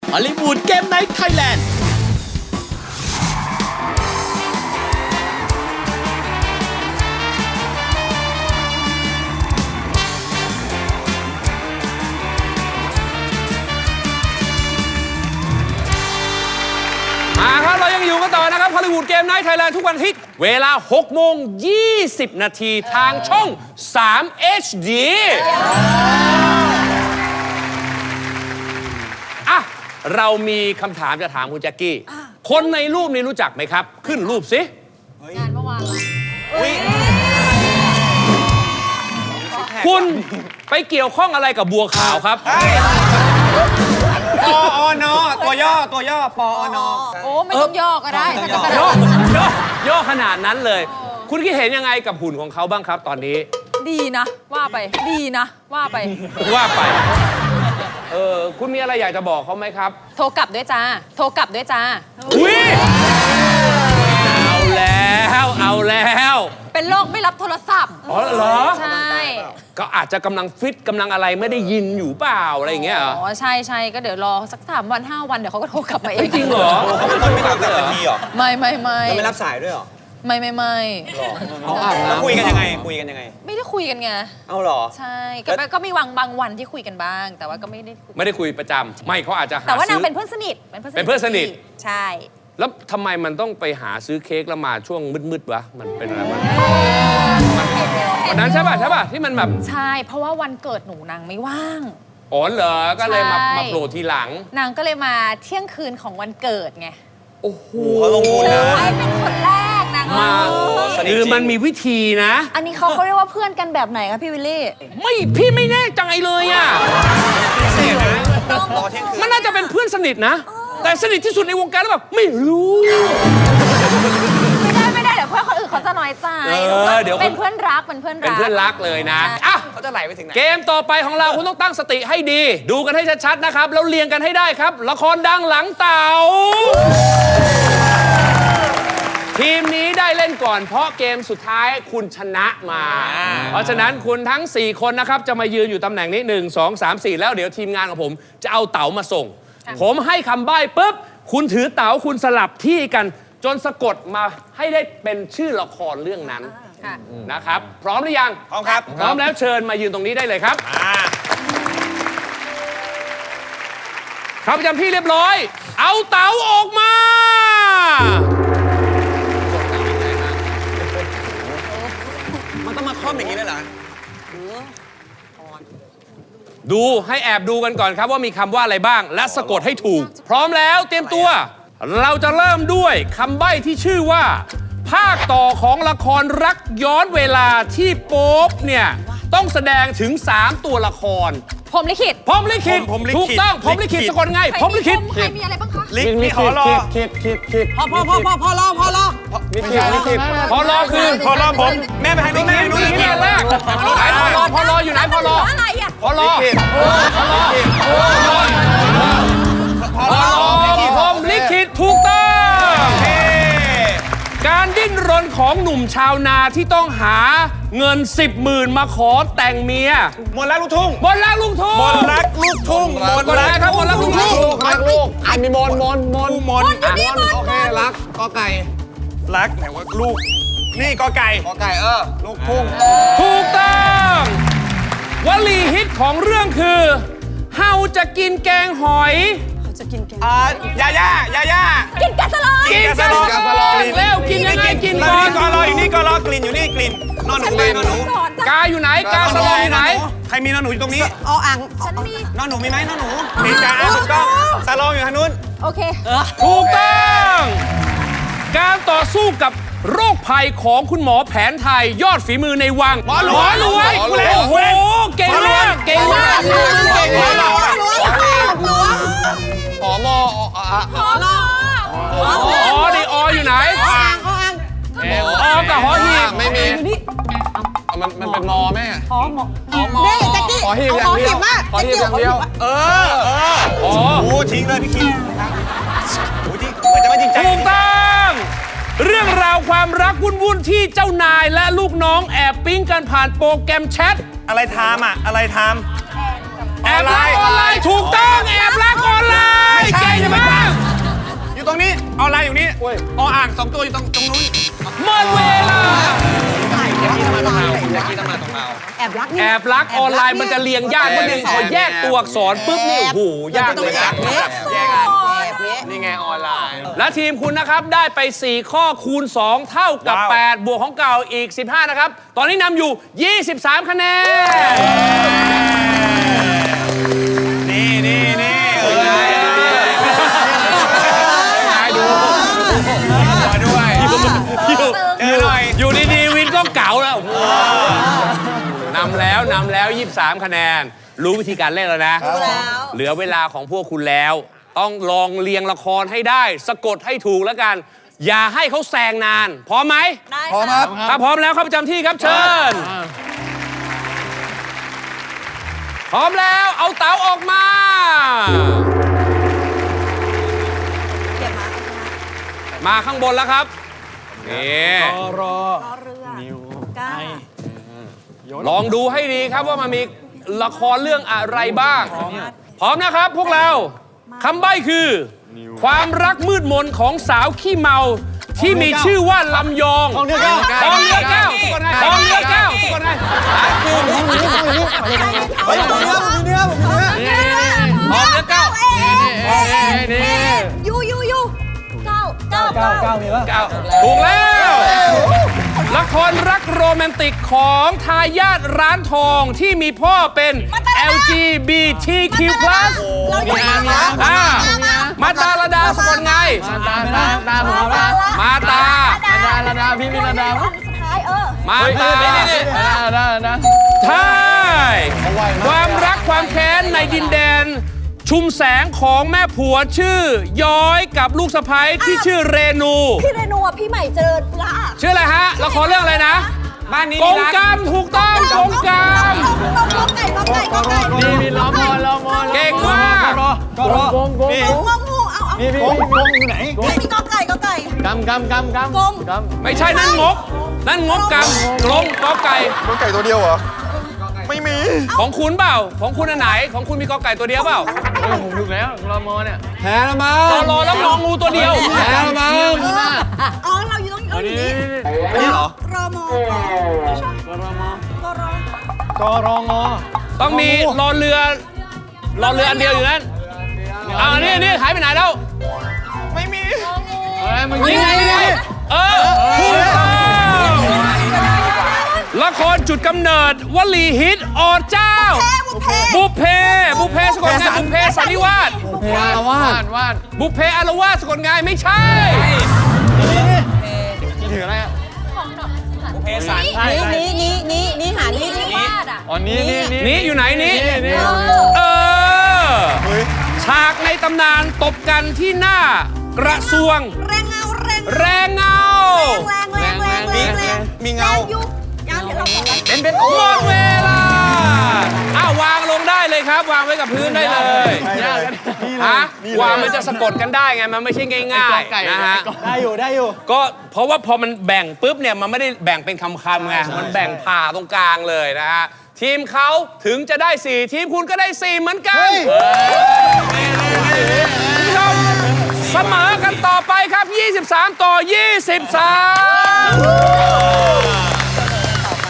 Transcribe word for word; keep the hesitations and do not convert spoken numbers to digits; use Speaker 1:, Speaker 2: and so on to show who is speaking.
Speaker 1: ฮอลลีวูดเกมไนท์ไทยแลนด์
Speaker 2: มาครับเรายังอยู่กันต่อนะครับฮอลลีวูดเกมไนท์ไทยแลนด์ทุกวันอาทิตย์เวลาหกโมงยี่สิบนาทีทางช่องสาม เอช ดี อ่ะ เรามีคำถามจะถามคุณแจ็คกี้ คนในรูปนี้รู้จักไหมครับ ขึ้นรูปสิ
Speaker 3: งานเมื่อวานเหรอ
Speaker 2: คุณไปเกี่ยวข้องอะไรกับบัวขาวครับ
Speaker 4: ปออนอตัวย่อตัวย่อปออนอ
Speaker 3: โอ้ไม่ต้องย่อก็ได้ถ้าจะกระ
Speaker 2: ย่
Speaker 3: ดา
Speaker 2: อ
Speaker 3: ษ
Speaker 2: ย่อย่อขนาดนั้นเลย คุณคิดเห็นยังไงกับหุ่นของเขาบ้างครับตอนนี้
Speaker 3: ดีนะ ว่าไป ดีนะ ว่าไป
Speaker 2: ว่าไป เออคุณมีอะไรอยากจะบอกเขาไหมครับ
Speaker 3: โทรกลับด้วยจ้า โทรกลับด้วยจ้า
Speaker 2: อุ้ยเอาแล้ว เอาแล้ว
Speaker 3: เป็นโรคไม่รับโทรศัพท์
Speaker 2: อ๋อเหรอ
Speaker 3: ใช่
Speaker 2: ก็อาจจะกำลังฟิตกำลังอะไรไม่ได้ยินอยู่เปล่าอะไรอย่างเงี้ยเหรอ
Speaker 3: อ๋อ ใช่ใช่ก็เดี๋ยวรอสักสามวันห้าวันเดี๋ยวเขาก็โทรกลับมาเอง
Speaker 2: จริงเหรอ
Speaker 4: เขาเป็นคนไม่ตอบกลับทันทีเหรอ
Speaker 3: ไม่ไม่ไม่
Speaker 4: เราไม่รับสายด้วยเหรอ
Speaker 3: ไม่ไม่ไม่
Speaker 4: แล้วคุยกันยังไงคุยกันยังไง
Speaker 3: ไม่ได้คุยกันไง
Speaker 4: เอาเหรอ
Speaker 3: ใช่ก็ก็มีวังบางวันที่คุยกันบ้าง แต่ว่าก็ไม่ได้คุย
Speaker 2: ไม่ได้คุยประจำไม่เขาอาจจะหา
Speaker 3: แต่ว่านาง
Speaker 2: ซื้อ
Speaker 3: เป็นเพื่อนสนิท เป็นเพื่อนสนิท
Speaker 2: เป็นเพื่อนสนิท
Speaker 3: ใช่
Speaker 2: แล้วทำไมมันต้องไปหาซื้อเค้กแล้วมาช่วงมืดๆวะมันเป็นอะไรวะวันนั้นใช่ป่ะใช่ป่ะที่มันแบบ
Speaker 3: ใช่ เพราะว่าวันเกิดหนูนางไม่ว่าง
Speaker 2: อ๋อเหรอก็เลยมา
Speaker 3: ใช่
Speaker 2: มาโผล่ทีหลัง
Speaker 3: นางก็เลยมาเที่ยงคืนของวันเกิดไง
Speaker 2: โอ้โห
Speaker 4: เขาลงทุนนะ
Speaker 3: ใช่เป็นคนแรกนาง
Speaker 2: มา
Speaker 4: สนิทจริง
Speaker 2: คือมันมีวิธีนะ
Speaker 3: อันนี้เขาเขาเรียกว่าเพื่อนกันแบบไหนคะพี่วิลลี่
Speaker 2: ไม่พี่ไม่แน่ใจเลยอ่ะ
Speaker 4: เสียนะรอเที่ยงคืน
Speaker 2: มันน่าจะเป็นเพื่อนสนิทนะ แต่สนิทที่สุดในวงการแล้วแบบไม่รู้
Speaker 3: ไม่ได้ไม่ได้เดี๋ยวเพื่อนคนอื่นเขาจะน้อยใจ
Speaker 2: เออเดี๋ยว
Speaker 3: เป็นเพื่อนรักเป็นเพื่อนรัก
Speaker 2: เป็นเพื่อนรักเลยนะอ่ะ
Speaker 4: เขาจะไหลไปถึงไหน
Speaker 2: เกมต่อไปของเราคุณต้องตั้งสติให้ดี ดูกันให้ชัดๆนะครับ แล้วเรียงกันให้ได้ครับ ละครดังหลังเต่า ทีมนี้ได้เล่นก่อนเพราะเกมสุดท้ายคุณชนะมา เพราะฉะนั้นคุณทั้ง สี่ คนนะครับจะมายืนอยู่ตำแหน่งนี้หนึ่ง สอง สาม สี่แล้วเดี๋ยวทีมงานของผมจะเอาเต๋ามาส่ง ผมให้คำใบ้ปุ๊บคุณถือเต๋าคุณสลับที่กันจนสะกดมาให้ได้เป็นชื่อละครเรื่องนั้น
Speaker 3: ค่ะ
Speaker 2: นะครับ พร้อมหรือยัง
Speaker 4: พร้อมครับ
Speaker 2: พร้อมแล้วเชิญมายืนตรงนี้ได้เลยครับ
Speaker 4: อ่า
Speaker 2: ครับประจำที่เรียบร้อย เอาเต๋าออกมา
Speaker 4: มันต้องมาคล่อมอย่างนี้เลยเหรอ
Speaker 2: ดูให้แอบดูกันก่อนครับว่ามีคำว่าอะไรบ้าง และสะกดให้ถูก พร้อมแล้วเตรียมตัว เราจะเริ่มด้วยคำใบ้ที่ชื่อว่า ภาคต่อของละครรักย้อนเวลาที่โป๊ปเนี่ยต้องแสดงถึง สาม ตัวละคร
Speaker 3: ผมลิขิต
Speaker 2: พรหมลิขิต
Speaker 4: พรหมลิขิต
Speaker 2: ถูกต้องพรหมลิขิต
Speaker 4: ลิขิต
Speaker 2: สะกดไงพรหมลิขิต
Speaker 3: ใครมีอะไรบ้างคะ
Speaker 4: ลิกนี่ขอรอ
Speaker 1: คิดคิดคิด
Speaker 4: พอพอพอพอพอรอพอรอ
Speaker 1: ลิขิตลิขิต
Speaker 2: พอรอคือ
Speaker 4: พอรอผม แม่ไปทางนู้นแม่ไปทางนู้น
Speaker 2: นี่คืออันแรกไหนพอรอพอรออยู่ไหนพอรอ
Speaker 3: อะไรอ่ะ
Speaker 2: พอรอพอรอพอรอพรหมลิขิตถูกต้อง
Speaker 4: เฮ้
Speaker 2: การดิ้นรนของหนุ่มชาวนาที่ต้องหาเงินสิบหมื่นมาขอแต่งเมีย
Speaker 4: มนต์รักลูกทุ่ง
Speaker 2: บนรักลุงทุ่ง
Speaker 4: มนต์รักลูกทุ่งมนต์
Speaker 2: บน
Speaker 4: รั
Speaker 2: รั
Speaker 4: ก
Speaker 2: กครับบนรักลุงทุ่ง
Speaker 1: รักลูกอันมีมนมนมน
Speaker 4: มนต์
Speaker 3: อยู่นี่มน
Speaker 1: โอเครักกอไก่
Speaker 4: รักไหนว่าลูก นี่กอไก่
Speaker 1: กอไก่เออลูกทุ่ง
Speaker 2: ถูกต้องวลีฮิตของเรื่องคือเฮาจะกินแกงหอย
Speaker 4: อ่ายาย่ายาย่า
Speaker 3: กินกาสลอย
Speaker 4: กินกาสลอย
Speaker 2: กินกาสลอยแล้วกินยังไงกินก่อน
Speaker 4: นี่กอรออยู่นี่กอรอกลิ่นอยู่นี่กลิ่นนอนหนูเลยนอนหนู
Speaker 3: สอนจ้ะ
Speaker 2: กาอยู่ไหนกาสลอยอยู่ไหน
Speaker 4: ใครมีนอนหนูอยู่ตรงนี้
Speaker 3: ออ่างฉันมี
Speaker 4: นอนหนูมีไหมนอนหนูมีจ้าถูกต้องซาลองอยู่ทางนู้น
Speaker 3: โอเค
Speaker 2: ถูกต้อง การต่อสู้กับโรคภัยของคุณหมอแผนไทยยอดฝีมือในวัง หมอรวย
Speaker 4: หมอรวย
Speaker 2: โอ้โห เก่งมากเก่งมากเก่งมาก
Speaker 1: หอมออ่ะ
Speaker 3: ขอรอ
Speaker 2: อ๋อดีอออยู่ไหนออกับหอหีบ
Speaker 1: ไม่มีมันมันเป็นมอแม่
Speaker 3: ขอหมอ
Speaker 1: หอมอขอหีบอย่างเดียวขอหีบอย่างเดียว
Speaker 4: เออเออ
Speaker 2: อ๋อ
Speaker 4: โอ้ทิ้งเลยพี่คิงโอ้จริงเหมือนจะไม่จริงใจ
Speaker 2: ถูกต้องเรื่องราวความรักวุ่นๆที่เจ้านายและลูกน้องแอบปิ๊งกันผ่านโปรแกรมแชท
Speaker 4: อะไรทามอ่ะอะไรทาม
Speaker 2: แอบรักออนไลน์ถูกต้องแอบรักออนไลน์เก่
Speaker 4: อนไลน์อยู่นี่ออ่างสองตัวอยู่ตรงตรงนู้น
Speaker 2: หมดเวลา
Speaker 4: แจ็คกี้ต้องมาตรงเราแจ็คกี้ต้องมาตรงเรา
Speaker 3: แอบรักนี่
Speaker 2: แอบรักออนไลน์มันจะเรียงยากนิดนึงพอแยกตัวอักษรปุ๊บนี่โอ้โหยากเลยนะ
Speaker 4: แยกกันนี่ไงออนไลน์
Speaker 2: และทีมคุณนะครับได้ไป สี่ ข้อคูณ สอง เท่ากับ
Speaker 4: ว้าว
Speaker 2: แปด บวกของเก่าอีก สิบห้า นะครับ ตอนนี้นำอยู่ ยี่สิบสาม คะแนน
Speaker 4: นี่นี่นี่เออดูหัวด้วย
Speaker 2: อยู่
Speaker 4: เจอหน่อย
Speaker 2: อยู่ดีๆวินก็เก๋าแล้วนำแล้วนำแล้ว ยี่สิบสาม คะแนน รู้วิธีการเล่นแล้วนะ เหลือเวลาของพวกคุณแล้ว ต้องลองเรียงละครให้ได้ สะกดให้ถูกแล้วกัน อย่าให้เขาแซงนาน พร้อมไหม
Speaker 1: พร้อมครับ
Speaker 2: ถ้าพร้อมแล้วเข้าประจำที่ครับเชิญ พร้อมแล้วเอาเต๋าออกมา
Speaker 3: เก็บมา
Speaker 2: มาข้างบนแล้วครับ นี่
Speaker 3: รอเรือก้า
Speaker 2: ลองดูให้ดีครับว่ามันมีละครเรื่องอะไรบ้าง พร้อมนะครับพวกเราคำใบ้คือ ความรักมืดมนของสาวขี้เมาที่มีชื่อว่าลำยองทองเนื้อแก้วทองเนื้อแก้วทองเนื้อแก้วทองเนื้อแก้ว
Speaker 3: ยูยูยูเก้าเก้าเก้าเก้ามีป่ะ
Speaker 2: เก้าถูกแล้ว ละครรักโรแมนติกของทายาทร้านทองที่มีพ่อเป็น แอล จี บี ที คิว พลัส
Speaker 3: เราอยู่มามา
Speaker 2: อ่ามาตาลดาสะกดไง
Speaker 1: ตาตาตาผมตา
Speaker 2: มาตา
Speaker 3: ดาลดาพี่มีลดาสุดท้ายเออ
Speaker 2: มาตา
Speaker 1: ตาตา
Speaker 2: ใช่ความรักความแค้นในดินแดน ชุมแสงของแม่ผัวชื่อ ย้อยกับลูกสะใภ้ที่ชื่อเรนู
Speaker 3: พี่เรนูอ่ะพี่ใหม่เจอละ
Speaker 2: ชื่ออะไรฮะละครเรื่องอะไรนะ
Speaker 4: บ้านนี้
Speaker 2: กงกรรมถูกต้องกงกรรม
Speaker 3: ก็ไก่ก็ไก่ก็ไก่
Speaker 1: มีมีล้อมอล้อมอ
Speaker 2: เก่งมาก
Speaker 1: ก็รอกงกง
Speaker 3: งูงูเอาเอา
Speaker 1: มีมีกงอยู่ไหน
Speaker 3: ไม่มีก็ไก่ก็ไก่
Speaker 1: กำกำกำกำ
Speaker 3: กง
Speaker 1: ก
Speaker 2: ไม่ใช่นั่นงก นั่นงกกรรมกลงกอไก่
Speaker 1: ำกงไก่ตัวเดียวเหรอ ไม่มี
Speaker 2: ของคุณเปล่า ของคุณอันไหน ของคุณมีกอไก่ตัวเดียวเปล่า
Speaker 1: ผมถูกแล้วล้อมอเนี่ยแพ้แล้วมั้
Speaker 2: รอรอแล้วมองงูตัวเดียว
Speaker 1: แพ้แล้วมั้ง
Speaker 3: อ๋อเราอยู่ตรงเราอยู่นี่
Speaker 1: ไม่ใช่เหรอ
Speaker 3: รอมอกรอมอกรอก
Speaker 1: รองอ
Speaker 2: ต้องมีรอเรือรอเรืออันเดียวอยู่นั่นอ่านี่นี่หายไปไหนแล้ว
Speaker 1: ไม่มีเฮ้ยมึง
Speaker 2: นี่ไงนี่ไงเออถูกต้องละครจุดกำเนิดวลีฮิตอเจ้า บุพเพ บุพเพสะกดไงบุพเพสันนิวาส
Speaker 1: เพลงวาดวาด
Speaker 2: บุพเพอารวาสสะกดไงไม่ใช่
Speaker 1: ถืออะไรอ่ะ
Speaker 4: บุพเพสัน
Speaker 3: นี่นี่นี่นี่นี่หานี่นี่
Speaker 1: อ๋อนี่นี่นี่
Speaker 2: นี่อยู่ไหนนี่
Speaker 1: นี่
Speaker 2: เออ ฉากในตำนานตบกันที่หน้ากระทรวง
Speaker 3: แรงเงาแรง
Speaker 2: แรงเงา
Speaker 3: แรงแรงแรงแรงแรง
Speaker 4: มีเงา
Speaker 3: ยุบยามเดี๋ยวเราบอก
Speaker 4: เป็นเป็น
Speaker 2: หมดเวลา อ้าววางลงได้เลยครับ วางไว้กับพื้นได้เลย
Speaker 1: ยากกัน
Speaker 2: ฮะวางมันจะสะกดกันได้ไง มันไม่ใช่ง่ายๆนะฮะ
Speaker 1: ได้อยู่ได้อยู่
Speaker 2: ก็เพราะว่าพอมันแบ่งปุ๊บเนี่ยมันไม่ได้แบ่งเป็นคำๆไง มันแบ่งผ่าตรงกลางเลยนะฮะ ทีมเขาถึงจะได้สี่ทีมคุณก็ได้สี่เหมือนกันคุณผู้ชมเสมอกันต่อไปครับ ยี่สิบสาม ต่อ ยี่สิบสาม